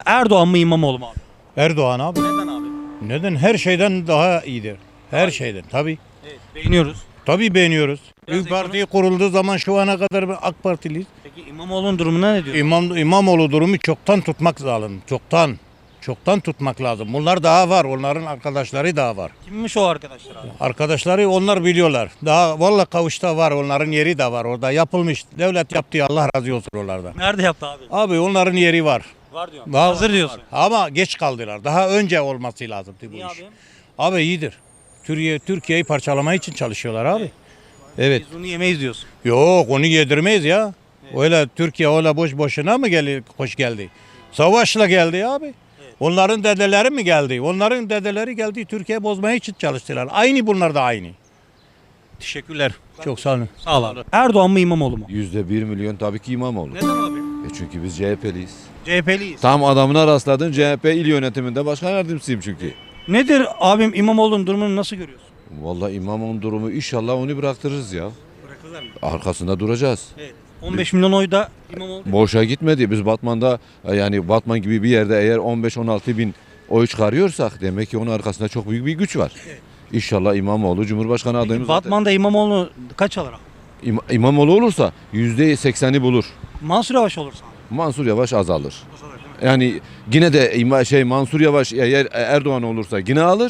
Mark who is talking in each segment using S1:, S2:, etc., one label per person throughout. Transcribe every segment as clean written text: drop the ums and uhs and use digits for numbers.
S1: Erdoğan mı İmamoğlu mu abi?
S2: Erdoğan abi.
S1: Neden abi?
S2: Neden? Her şeyden daha iyidir. Her şeyden. Tabii.
S1: Evet, beğeniyoruz.
S2: Tabii beğeniyoruz.
S1: Biraz
S2: Büyük Parti kurulduğu zaman şu ana kadar AK Partiliyiz.
S1: Peki İmamoğlu'nun durumuna ne diyorsun?
S2: İmamoğlu durumu çoktan tutmak lazım. Çoktan. Çoktan tutmak lazım. Bunlar daha var. Onların arkadaşları daha var.
S1: Kimmiş o arkadaşlar abi?
S2: Arkadaşları onlar biliyorlar. Daha vallahi Kavuş'ta var. Onların yeri de var. Orada yapılmış. Devlet yaptı. Allah razı olsun oralarda.
S1: Nerede yaptı abi?
S2: Abi onların yeri var.
S1: Var diyorum.
S2: Daha
S1: Hazır diyorsun.
S2: var. Ama geç kaldılar. Daha önce olması lazımdı bu
S1: Niye
S2: iş.
S1: abi?
S2: Abi iyidir. Türkiye'yi parçalamak için çalışıyorlar abi. Evet.
S1: Biz bunu yemeyiz diyorsun.
S2: Yok onu yedirmeyiz ya. Öyle Türkiye öyle boş boşuna mı hoş geldi? Savaşla geldi abi. Onların dedeleri mi geldi? Onların dedeleri geldi Türkiye bozmaya için çalıştılar. Aynı bunlar da aynı. Teşekkürler. Çok sağ olun.
S1: Sağ ol abi. Erdoğan mı İmamoğlu mu?
S3: %1 milyon tabii ki İmamoğlu.
S1: Neden abi?
S3: Çünkü biz CHP'liyiz.
S1: CHP'liyiz.
S3: Tam adamına rastladın, CHP il yönetiminde başkan yardımcısıyım çünkü.
S1: Nedir abim İmamoğlu'nun durumunu nasıl görüyorsun?
S3: Vallahi İmamoğlu'nun durumu inşallah onu bıraktırırız ya.
S1: Bırakırlar mı?
S3: Arkasında duracağız.
S1: Evet. 15 milyon oy da İmamoğlu.
S3: Boşa gitmedi. Biz Batman'da yani Batman gibi bir yerde eğer 15-16 bin oy çıkarıyorsak demek ki onun arkasında çok büyük bir güç var. İnşallah İmamoğlu Cumhurbaşkanı adayımız zaten.
S1: Batman'da İmamoğlu kaç alır abi?
S3: İmamoğlu olursa %80'i bulur.
S1: Mansur Yavaş olursa abi.
S3: Mansur Yavaş azalır. Yani yine de Mansur Yavaş eğer Erdoğan olursa yine alır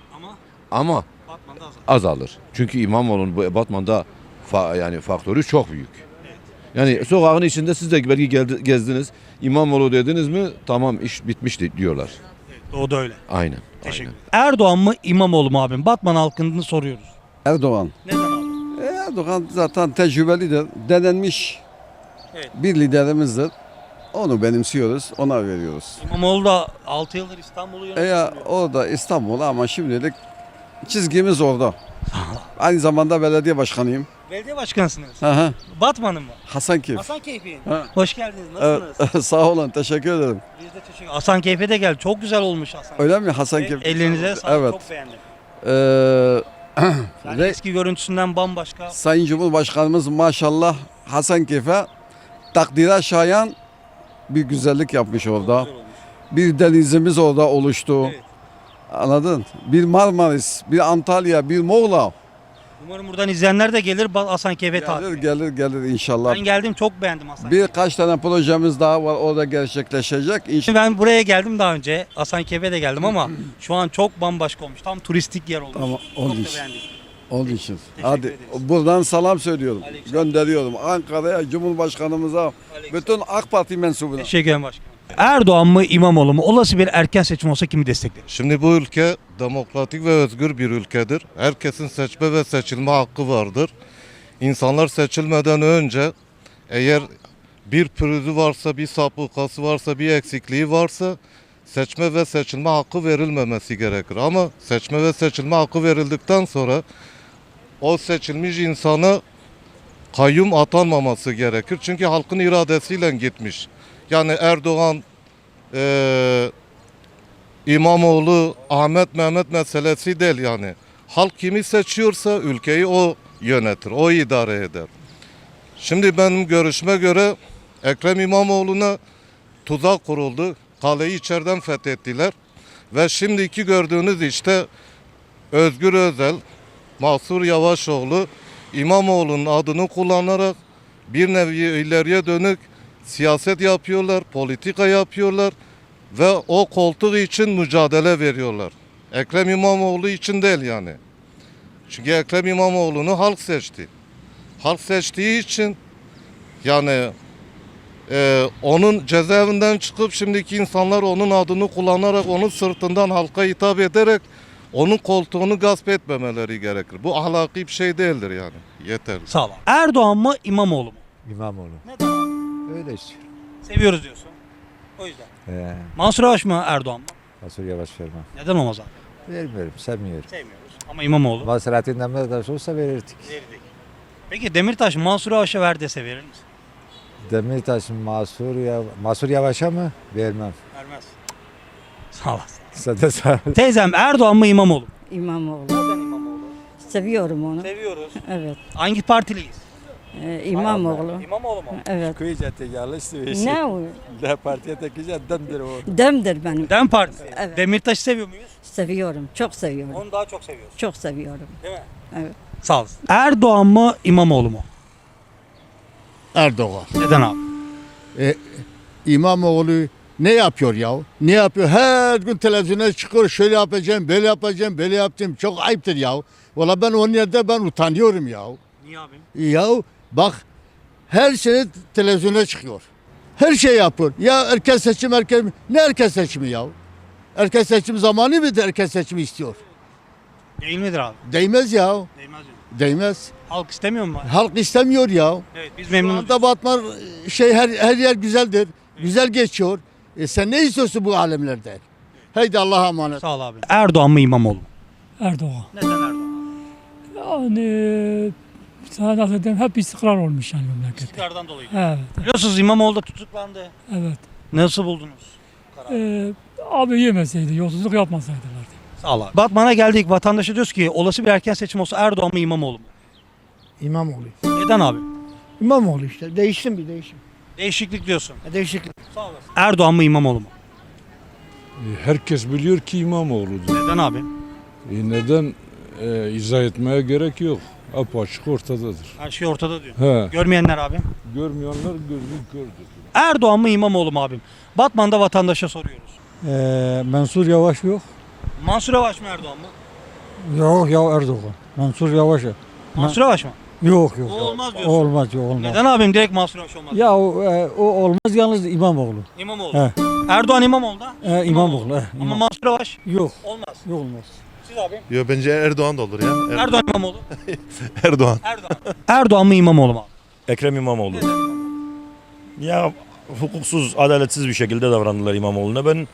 S3: ama
S1: Batman'da azalır.
S3: azalır. Çünkü İmamoğlu'nun bu Batman'da yani faktörü çok büyük. Yani sokağın içinde siz de belki gezdiniz. İmamoğlu dediniz mi tamam iş bitmişti diyorlar.
S1: O da öyle.
S3: Aynen.
S1: Teşekkür
S3: aynen.
S1: ederim. Erdoğan mı İmamoğlu mu abim? Batman halkını soruyoruz.
S4: Erdoğan.
S1: Neden abi?
S4: Erdoğan zaten tecrübelidir, denenmiş
S1: Evet.
S4: bir liderimizdir. Onu benimsiyoruz, ona veriyoruz.
S1: İmamoğlu da 6 yıldır İstanbul'u yönetiyor.
S4: Orada İstanbul ama şimdilik çizgimiz orada. Aynı zamanda belediye başkanıyım.
S1: Belediye başkanısınız.
S4: Hı.
S1: Batman'ın mı?
S4: Hasankeyf.
S1: Hasankeyf'in.
S4: Ha.
S1: Hoş geldiniz. Nasılsınız?
S4: Sağ olun, teşekkür ederim.
S1: Biz de teşekkür ederiz. Hasankeyf'e de geldi. Çok güzel olmuş Hasankeyf.
S4: Öyle mi Hasankeyf?
S1: Ellerinize sağlık.
S4: Evet.
S1: Çok beğendim. Yani
S4: Ve
S1: eski görüntüsünden bambaşka.
S4: Sayın Cumhurbaşkanımız maşallah Hasankeyf'e takdire şayan bir güzellik yapmış orada.
S1: Güzel olmuş.
S4: Bir denizimiz orada oluştu.
S1: Evet.
S4: Anladın? Bir Marmaris, bir Antalya, bir Muğla.
S1: Umarım buradan izleyenler de gelir Hasankeyf'e
S4: Gelir
S1: tatil.
S4: gelir inşallah.
S1: Ben geldim, çok beğendim Hasankeyf'i.
S4: Birkaç tane projemiz daha var orada gerçekleşecek.
S1: Şimdi ben buraya geldim daha önce. Hasankeyf'e de geldim ama şu an çok bambaşka olmuş. Tam turistik yer olmuş.
S4: Tamam,
S1: çok da
S4: olmuş.
S1: beğendim.
S4: Onun için.
S1: Teşekkür
S4: Hadi
S1: ederiz.
S4: buradan salam söylüyorum.
S1: Aleykümselam.
S4: Gönderiyorum Ankara'ya, Cumhurbaşkanımıza, bütün AK Parti mensubuna.
S1: Teşekkür ederim başkanım. Erdoğan mı İmamoğlu mu? Olası bir erken seçim olsa kimi destekler?
S5: Şimdi bu ülke demokratik ve özgür bir ülkedir. Herkesin seçme ve seçilme hakkı vardır. İnsanlar seçilmeden önce eğer bir pürüzü varsa, bir sapıkası varsa, bir eksikliği varsa seçme ve seçilme hakkı verilmemesi gerekir. Ama seçme ve seçilme hakkı verildikten sonra o seçilmiş insana kayyum atanmaması gerekir. Çünkü halkın iradesiyle gitmiş. Yani Erdoğan, İmamoğlu, Ahmet Mehmet meselesi değil yani. Halk kimi seçiyorsa ülkeyi o yönetir, o idare eder. Şimdi benim görüşme göre Ekrem İmamoğlu'na tuzak kuruldu. Kaleyi içeriden fethettiler. Ve şimdiki gördüğünüz işte Özgür Özel, Mansur Yavaşoğlu İmamoğlu'nun adını kullanarak bir nevi ileriye dönük siyaset yapıyorlar, politika yapıyorlar ve o koltuk için mücadele veriyorlar. Ekrem İmamoğlu için değil yani. Çünkü Ekrem İmamoğlu'nu halk seçti. Halk seçtiği için yani onun cezaevinden çıkıp şimdiki insanlar onun adını kullanarak onun sırtından halka hitap ederek onun koltuğunu gasp etmemeleri gerekir. Bu ahlaki bir şey değildir yani. Yeter.
S1: Sağ ol. Erdoğan mı İmamoğlu mu?
S6: İmamoğlu.
S1: Neden abi?
S6: Öyle istiyor.
S1: Seviyoruz diyorsun. O yüzden. Mansur Yavaş mı Erdoğan mı?
S6: Mansur Yavaş vermem.
S1: Neden olmaz abi?
S6: Vermiyorum, sevmiyorum.
S1: Sevmiyoruz. Ama İmamoğlu
S6: Ama Selahattin Demirtaş olsa verirdik.
S1: verirdik. Peki Demirtaş Mansur Yavaş'a ver dese verir misin?
S6: Demirtaş Mansur Yavaş'a mı? Vermem.
S1: Vermez. Sağ olasın.
S6: Sen de sağ ol.
S1: Teyzem Erdoğan mı İmamoğlu mu?
S7: İmamoğlu.
S1: Neden İmamoğlu?
S7: Seviyorum onu.
S1: Seviyoruz.
S7: Evet.
S1: Hangi partiliyiz?
S7: İmamoğlu.
S1: İmamoğlu mu?
S7: Evet.
S6: Kuyucatı yanlış söylüyorsun.
S7: Ne o?
S6: Ne partiye tekeceğim demdir o.
S7: Demdir benim.
S1: Dem Partisi.
S7: Evet.
S1: Demirtaş'ı seviyor muyuz?
S7: Seviyorum. Çok seviyorum.
S1: Onu daha çok seviyoruz.
S7: Çok seviyorum.
S1: Değil mi?
S7: Evet.
S1: Sağ olasın. Erdoğan mı İmamoğlu mu?
S8: Erdoğan.
S1: Neden abi?
S8: İmamoğlu ne yapıyor ya? Ne yapıyor? Her gün televizyona çıkıyor. Şöyle yapacağım, böyle yapacağım, böyle yaptım. Çok ayıptır ya. Valla ben onun yerde ben utanıyorum ya.
S1: Niye abi?
S8: Ya bak her sene televizyona çıkıyor. Her şey yapıyor. Ya erken seçim ne erken seçimi ya? Erken seçim zamanı mıydı erken seçimi istiyor?
S1: Değil midir abi?
S8: Değmez ya.
S1: Değmez diyor.
S8: Değmez.
S1: Halk istemiyor mu?
S8: Halk istemiyor ya.
S1: Evet biz
S8: Şu
S1: memnunuz.
S8: anda Batman her yer güzeldir. Güzel geçiyor. Sen ne istiyorsun bu alemlerden? Haydi Allah'a emanet.
S1: Sağ ol abi. Erdoğan mı İmamoğlu mu?
S9: Erdoğan.
S1: Neden Erdoğan?
S9: Yani sana nasıl diyeyim hep istikrar olmuş yani memlekette.
S1: İstikrardan dolayı.
S9: Evet,
S1: Biliyorsunuz İmamoğlu da tutuklandı.
S9: evet.
S1: Nasıl buldunuz?
S9: Abi yemeseydi, yolsuzluk yapmasaydılar.
S1: Sağ ol abi. Batman'a geldik. Vatandaşa diyoruz ki olası bir erken seçim olsa Erdoğan mı İmamoğlu mu?
S10: İmamoğlu.
S1: Neden abi?
S10: İmamoğlu işte. Değiştim bir değişim.
S1: Değişiklik diyorsun.
S10: Değişiklik.
S1: Sağ olasın. Erdoğan mı İmamoğlu mu?
S11: Herkes biliyor ki İmamoğlu'dur.
S1: Neden abi?
S11: Neden izah etmeye gerek yok. Apaçık ortadadır.
S1: Her şey ortada diyor.
S11: He,
S1: Görmeyenler abi.
S11: görmeyenler gözü kördür.
S1: Erdoğan mı İmamoğlu mu abim? Batman'da vatandaşa soruyoruz.
S10: Mansur Yavaş yok.
S1: Mansur Yavaş mı Erdoğan mı?
S10: Yok ya Erdoğan. Mansur Yavaş.
S1: Mansur Yavaş mı?
S10: Yok yok.
S1: O olmaz diyorsun.
S10: Olmaz yok olmaz.
S1: Neden abim direkt Mansur Yavaş olmaz?
S10: Ya o olmaz yalnız İmamoğlu.
S1: İmamoğlu.
S10: He.
S1: Erdoğan İmamoğlu da.
S10: İmamoğlu.
S1: Ama Mansur Yavaş
S10: Yok.
S1: olmaz.
S10: Yok olmaz.
S1: Siz abi.
S12: Yo bence Erdoğan da olur ya.
S1: Erdoğan İmamoğlu.
S12: Erdoğan.
S1: Erdoğan. Erdoğan mı İmamoğlu mu abi?
S13: Ekrem İmamoğlu. Ya hukuksuz, adaletsiz bir şekilde davrandılar İmamoğlu'na. Ben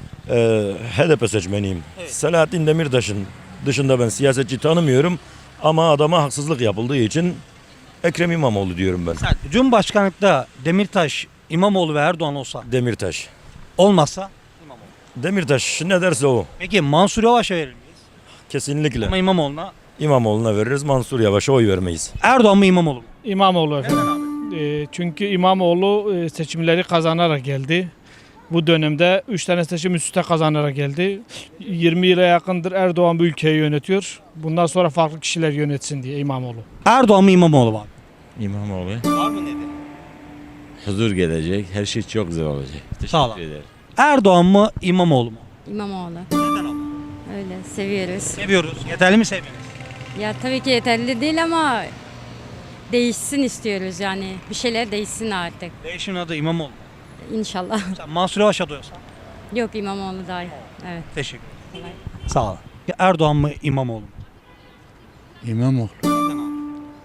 S13: HDP seçmeniyim.
S1: Evet.
S13: Selahattin Demirtaş'ın dışında ben siyasetçi tanımıyorum. Ama adama haksızlık yapıldığı için Ekrem İmamoğlu diyorum ben.
S1: Sen Cumhurbaşkanlıkta Demirtaş, İmamoğlu ve Erdoğan olsa
S13: Demirtaş.
S1: olmazsa İmamoğlu.
S13: Demirtaş ne derse o.
S1: Peki Mansur Yavaş'a verir miyiz?
S13: Kesinlikle.
S1: Ama İmamoğlu'na.
S13: İmamoğlu'na veririz, Mansur Yavaş'a oy vermeyiz.
S1: Erdoğan mı İmamoğlu mu?
S9: İmamoğlu
S1: Neden abi?
S9: Çünkü İmamoğlu seçimleri kazanarak geldi. Bu dönemde 3 tane seçim üst üste kazanarak geldi. 20 yıla yakındır Erdoğan bu ülkeyi yönetiyor. Bundan sonra farklı kişiler yönetsin diye İmamoğlu.
S1: Erdoğan mı İmamoğlu mu abi?
S14: İmamoğlu.
S1: Var mı nedeni?
S14: Huzur gelecek. Her şey çok güzel olacak.
S1: Sağ ol.
S14: Teşekkür ederim.
S1: Erdoğan mı İmamoğlu mu?
S7: İmamoğlu.
S1: Neden abi?
S7: Öyle seviyoruz.
S1: Seviyoruz. Yeterli mi sevmeniz?
S7: Ya tabii ki yeterli değil ama değişsin istiyoruz yani. Bir şeyler değişsin artık.
S1: Değişimin adı İmamoğlu.
S7: İnşallah.
S1: Sen Mansur Yavaş adıyorsan.
S7: Yok İmamoğlu daha iyi. Evet.
S1: Teşekkür ederim. Sağ ol. Erdoğan mı İmamoğlu mu?
S8: İmamoğlu.
S1: Neden abi?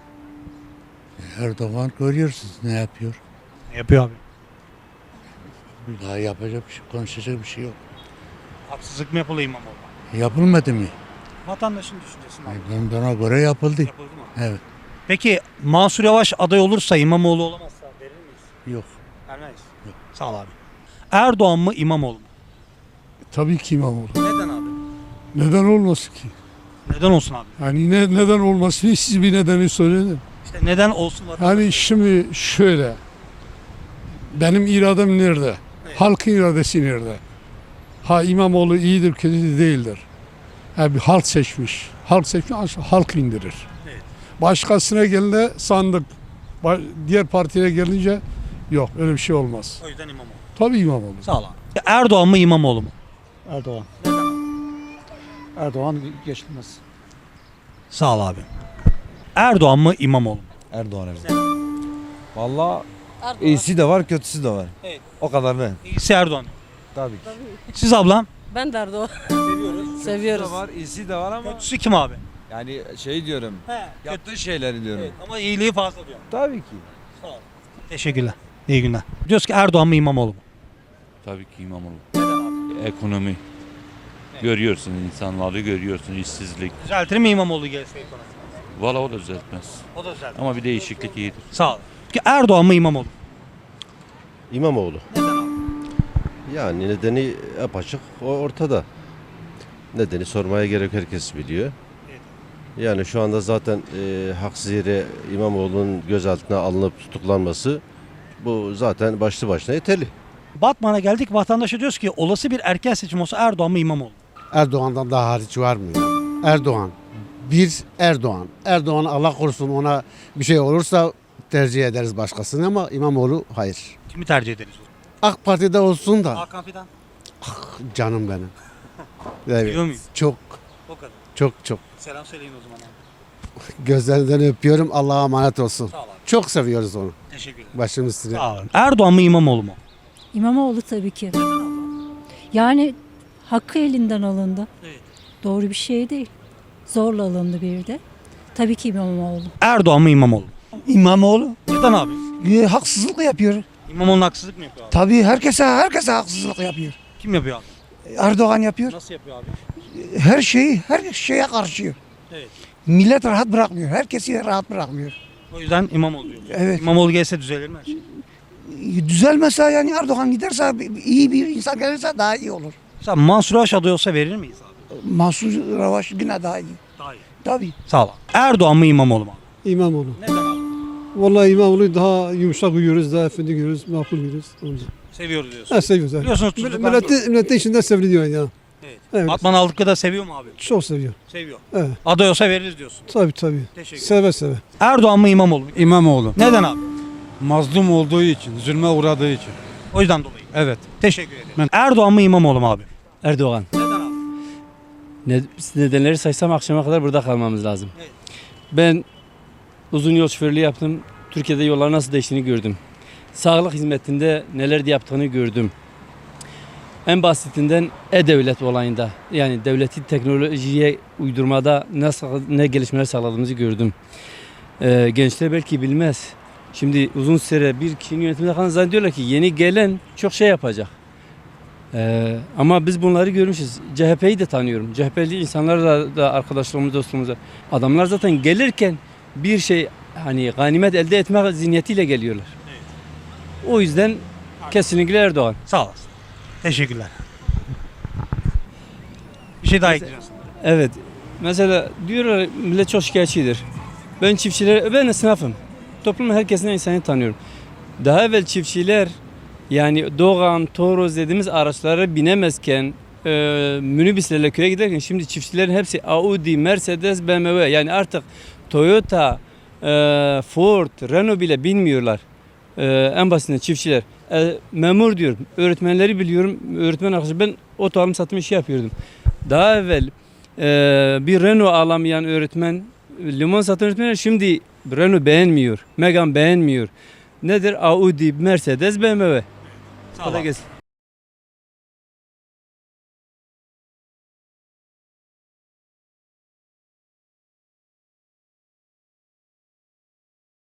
S8: Erdoğan görüyorsunuz ne yapıyor.
S1: Ne yapıyor abi?
S8: Daha yapacak bir şey, konuşacak bir şey yok.
S1: Haksızlık mı yapılıyor İmamoğlu'na?
S8: Yapılmadı mı?
S1: Vatandaşın düşüncesi mi?
S8: Bana göre yapıldı.
S1: Yapıldı mı?
S8: Evet.
S1: Peki Mansur Yavaş aday olursa İmamoğlu olamazsa verir miyiz?
S8: Yok.
S1: Vermeyiz. Sağ ol abi. Erdoğan mı İmamoğlu mu?
S8: Tabii ki İmamoğlu.
S1: Neden abi?
S8: Neden olmasın ki?
S1: Neden olsun abi?
S8: Hani neden olmasın siz bir nedeni söyleyin.
S1: İşte neden olsun vatandaş?
S8: Hani şimdi şöyle. Benim iradem nerede? Halkın iradesi nerede? Ha İmamoğlu iyidir, kötü değildir. Ha bir halk seçmiş. Halk seçmiş, halk indirir.
S1: Evet.
S8: Başkasına gelince sandık. Diğer partiye gelince yok öyle bir şey olmaz.
S1: O yüzden İmamoğlu.
S8: Tabii İmamoğlu.
S1: Sağ ol abi. Erdoğan mı İmamoğlu mu?
S10: Erdoğan.
S1: Neden abi?
S10: Erdoğan geçilmez.
S1: Sağ ol abi. Erdoğan mı İmamoğlu mu?
S6: Erdoğan evet.
S1: Neden?
S6: Valla iyisi de var kötüsü de var.
S1: Evet.
S6: O kadar ben.
S1: İyisi Erdoğan.
S6: Tabii ki.
S1: Siz ablam?
S7: Ben de Erdoğan.
S1: Seviyoruz.
S7: Seviyoruz.
S6: var, iyisi de var ama
S1: Kötüsü kim abi?
S6: yani şey diyorum. Yaptığı şeyleri diyorum.
S1: Evet, ama iyiliği fazla diyorum.
S6: Tabii ki.
S1: Sağ ol. Teşekkürler. İyi günler. Diyoruz ki Erdoğan mı İmamoğlu mu?
S14: Tabii ki İmamoğlu.
S1: Neden abi?
S14: Ekonomi. Görüyorsun insanları görüyorsun işsizlik.
S1: Düzeltir mi İmamoğlu gelse ekonomi?
S14: Valla o da düzeltmez.
S1: O da düzeltir.
S14: Ama bir değişiklik iyidir.
S1: Sağ ol. Ki Erdoğan mı İmamoğlu mu?
S3: İmamoğlu.
S1: Neden abi?
S3: Yani nedeni apaçık ortada. Nedeni sormaya gerek herkes biliyor.
S6: Yani şu anda zaten haksız yere İmamoğlu'nun gözaltına alınıp tutuklanması bu zaten başlı başına yeterli.
S1: Batman'a geldik, vatandaşa diyoruz ki olası bir erken seçim olsa Erdoğan mı İmamoğlu mu?
S6: Erdoğan'dan daha hariç var mı ya? Erdoğan. Bir Erdoğan. Erdoğan Allah korusun ona bir şey olursa tercih ederiz başkasını ama İmamoğlu hayır.
S1: Kimi tercih ederiz?
S6: AK Parti'de olsun da
S1: Hakan Fidan.
S6: canım benim.
S1: Biliyor
S6: Evet,
S1: muyum?
S6: çok
S1: O kadar.
S6: çok.
S1: Selam söyleyin o zaman abi.
S6: Gözlerinden öpüyorum. Allah'a emanet olsun.
S1: Sağ ol abi.
S6: Çok seviyoruz onu.
S1: Teşekkür ederim.
S6: Başımız üstüne.
S1: Sağ olun. Erdoğan mı İmamoğlu mu?
S7: İmamoğlu tabii ki. Yani hakkı elinden alındı.
S1: Evet.
S7: Doğru bir şey değil. Zorla alındı bir de. Tabii ki İmamoğlu.
S1: Erdoğan mı İmamoğlu mu?
S10: İmamoğlu
S1: Neden abi?
S10: haksızlık yapıyor.
S1: İmamoğlu'na haksızlık mı yapıyor abi?
S10: Tabii herkese haksızlık yapıyor.
S1: Kim yapıyor abi?
S10: Erdoğan yapıyor.
S1: Nasıl yapıyor abi?
S10: Her şeye karşı.
S1: Evet.
S10: Millet rahat bırakmıyor. Herkesi rahat bırakmıyor.
S1: O yüzden İmamoğlu diyor.
S10: Evet.
S1: İmamoğlu gelse düzelir mi her şey?
S10: Düzelmese yani Erdoğan giderse iyi bir insan gelirse daha iyi olur.
S1: Mesela Mansur Yavaş aday olsa verir miyiz abi?
S10: Mansur Yavaş yine daha iyi.
S1: Daha iyi.
S10: Tabii.
S1: Sağ ol. Erdoğan mı İmamoğlu mu?
S10: İmamoğlu.
S1: Neden abi?
S10: Vallahi İmamoğlu daha yumuşak uyuyoruz, daha efendi görüyoruz, makul görüyoruz.
S1: Seviyoruz diyorsun.
S10: Seviyoruz.
S1: Biliyorsunuz tutuklandı.
S10: Milletin içinde seviliyor ya.
S1: Evet.
S10: Evet.
S1: Batman aldıkça da seviyor mu abi?
S10: Çok seviyor.
S1: Seviyor.
S10: Evet.
S1: Aday olsa veririz diyorsun.
S10: Tabii.
S1: Teşekkür
S10: Seve seve.
S1: Erdoğan mı İmamoğlu mu?
S11: İmamoğlu.
S1: Neden abi?
S11: Mazlum olduğu için, zulme uğradığı için.
S1: O yüzden dolayı.
S11: Evet.
S1: Teşekkür ederim. Erdoğan mı İmamoğlu mu abi?
S14: Erdoğan.
S1: Neden abi?
S14: Nedenleri saysam akşama kadar burada kalmamız lazım.
S1: Evet.
S14: Ben uzun yol şoförlüğü yaptım. Türkiye'de yollar nasıl değiştiğini gördüm. Sağlık hizmetinde neler de yaptığını gördüm. En basitinden e-devlet olayında, yani devleti teknolojiye uydurmada ne gelişmeler sağladığımızı gördüm. Gençler belki bilmez. Şimdi uzun süre bir kişinin yönetiminde kalan zannediyorlar ki yeni gelen çok şey yapacak. Ama biz bunları görmüşüz. CHP'yi de tanıyorum. CHP'li insanlarla da arkadaşlarımız, dostlarımız. Adamlar zaten gelirken bir şey hani ganimet elde etme zihniyetiyle geliyorlar. O yüzden kesinlikle Erdoğan.
S1: Sağ olasın. Teşekkürler. Bir şey daha ekleyeceksin.
S14: Evet. Mesela diyorlar millet çok şikayetçidir. Ben esnafım. Toplumun herkesinden insanı tanıyorum. Daha evvel çiftçiler yani Doğan, Toros dediğimiz araçlara binemezken minibüslerle köye giderken şimdi çiftçilerin hepsi Audi, Mercedes, BMW yani artık Toyota, Ford, Renault bile binmiyorlar. En basitinden çiftçiler. Memur diyorum. Öğretmenleri biliyorum. Öğretmen arkadaşlar ben oto alım satım işi yapıyordum. Daha evvel bir Renault alamayan öğretmen, limon satan öğretmenler şimdi Renault beğenmiyor. Megane beğenmiyor. Nedir? Audi, Mercedes, BMW.
S1: Sağ ol.